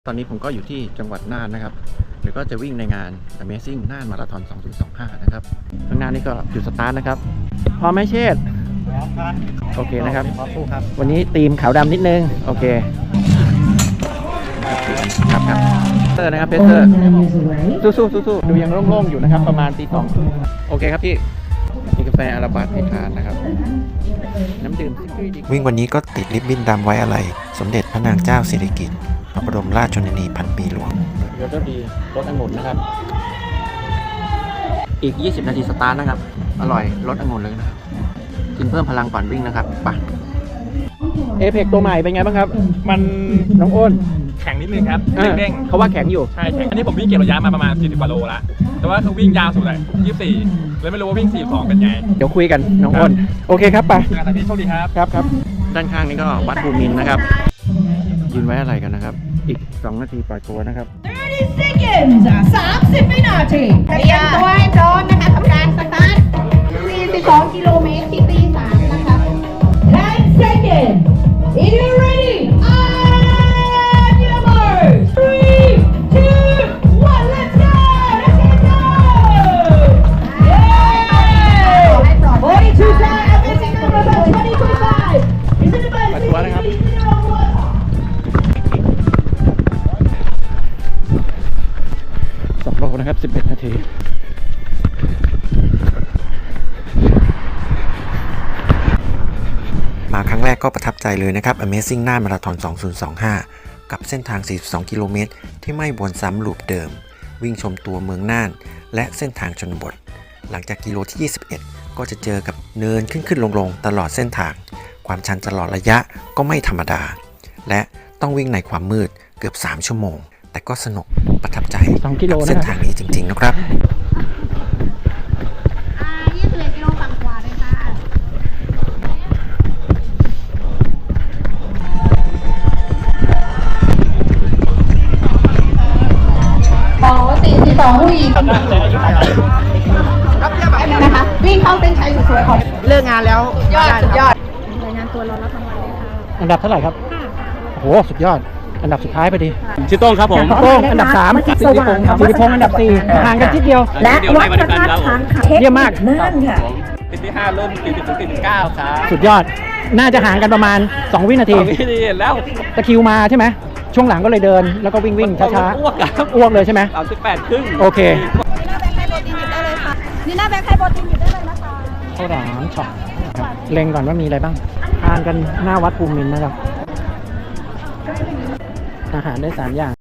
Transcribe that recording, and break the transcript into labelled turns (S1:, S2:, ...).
S1: ตอนนี้ผมก็อยู่ที่จังหวัดน่านนะครับเดี๋ยวก็จะวิ่งในงาน Amazing น่านมาราธอน 2025 นะครับข้างหน้านี่ก็จุดสตาร์ทนะครับพร้อมไหมเชษฐ์โอเคนะครับวันนี้ธีมขาวดำนิดนึงโอเคครับเตอร์นะครับเพเตอร์สู้ดูยังโล่งๆอยู่นะครับประมาณตี 2โอเคครับพี่มีกาแฟอาราบัสให้ทานนะครับน้ำดื่ม
S2: วิ่งวันนี้ก็ติดริบบิ้นดำไว้อะไรสมเด็จพระนางเจ้าสิริกิติ์พระบรมราชชนนีพันปีหลวง
S1: เดี๋ยวก็ดีรสองุ่นนะครับอีก20 นาทีสตาร์ทนะครับอร่อยรสองุ่นเลยนะครับกินเพิ่มพลังก่อนวิ่งนะครับไปเอเพกตัวใหม่เป็นไงบ้างครับมันน้องอ้น
S3: แข็งนิดนึงครับเด้ง
S1: เขาว่าแข็งอยู่
S3: ใช่แข็งอันนี้ผมวิ่งเก็บระยะมาประมาณ40 กว่าโลแล้วแต่ว่าคือวิ่งยาวสุดเลย24เลยไม่รู้ว่าวิ่ง42เป็นไง
S1: เดี๋ยวคุยกันน้องอ้นโอเคครับไป
S3: งานที่โชคดี
S1: ครับด้านข้างนี้ก็วัดภูมินทร์นะครับยืนไว้อะไรกันนะครับอีก2 นาทีปล่อยตัวนะครับ
S4: 30 seconds 30 วินาทีเตรียมตัวให้พร้อมนะคะทำการสตาร์ท42 กิโลเมตรที่ตี 3นะคะ10 seconds are you ready and your mark 3 2 1 let's go42 time amazing number 2025 is it the best
S1: ปล่อยตัวนะครับ2 โลนะครับ11 นาที
S2: มาครั้งแรกก็ประทับใจเลยนะครับ Amazing น่านมาราธอน 2025 กับเส้นทาง 42 กิโลเมตรที่ไม่วนซ้ำลูปเดิมวิ่งชมตัวเมืองน่านและเส้นทางชนบทหลังจากกิโลที่ 21 ก็จะเจอกับเนินขึ้นลงตลอดเส้นทางความชันตลอดระยะก็ไม่ธรรมดาและต้องวิ่งในความมืดเกือบ3 ชั่วโมงแต่ก็สนุกประทับใจกับเส้นทางนี้จริงๆนะครับ
S4: 21 กิโลฝั่งขวาเลยค่ะ42ผู้หญิงนะคะวิ่งเข้าเส้นชัยสวยๆของ
S1: เลิกงานแล้ว
S4: ยอด
S5: รายงานตัวรอรับรางวัลเลยค่ะ
S1: อันดับเท่าไหร่ครับโอ้โหสุดยอดอันดับสุดท้ายพอดี
S3: ชื่อโต้งครับผม
S1: โต้งอันดับ3สิริพงษ์อันดับ4ห่างกันนิดเดียว
S5: และวัฒนธรรม
S1: เยี่ยมมาก
S5: น่านค่ะ
S3: ติดที่5เริ่มติด9ครับ
S1: สุดยอดน่าจะห่างกันประมาณ2 วินาที
S3: แล้ว
S1: ตะคิวมาใช่ไหมช่วงหลังก็เลยเดินแล้วก็วิ่งช้า
S3: ๆ
S1: อ้วกเลยใช่ไหม
S3: 38 ครึ่ง
S1: โอเค
S5: นี่หน้าแบงค์ไทยโปรตีนหยิบได้เลยนะคะ
S1: ข้าวหลามช็อตเล็งก่อนว่ามีอะไรบ้างทานกันหน้าวัดภูมินทร์นะครับอาหารได้3 อย่าง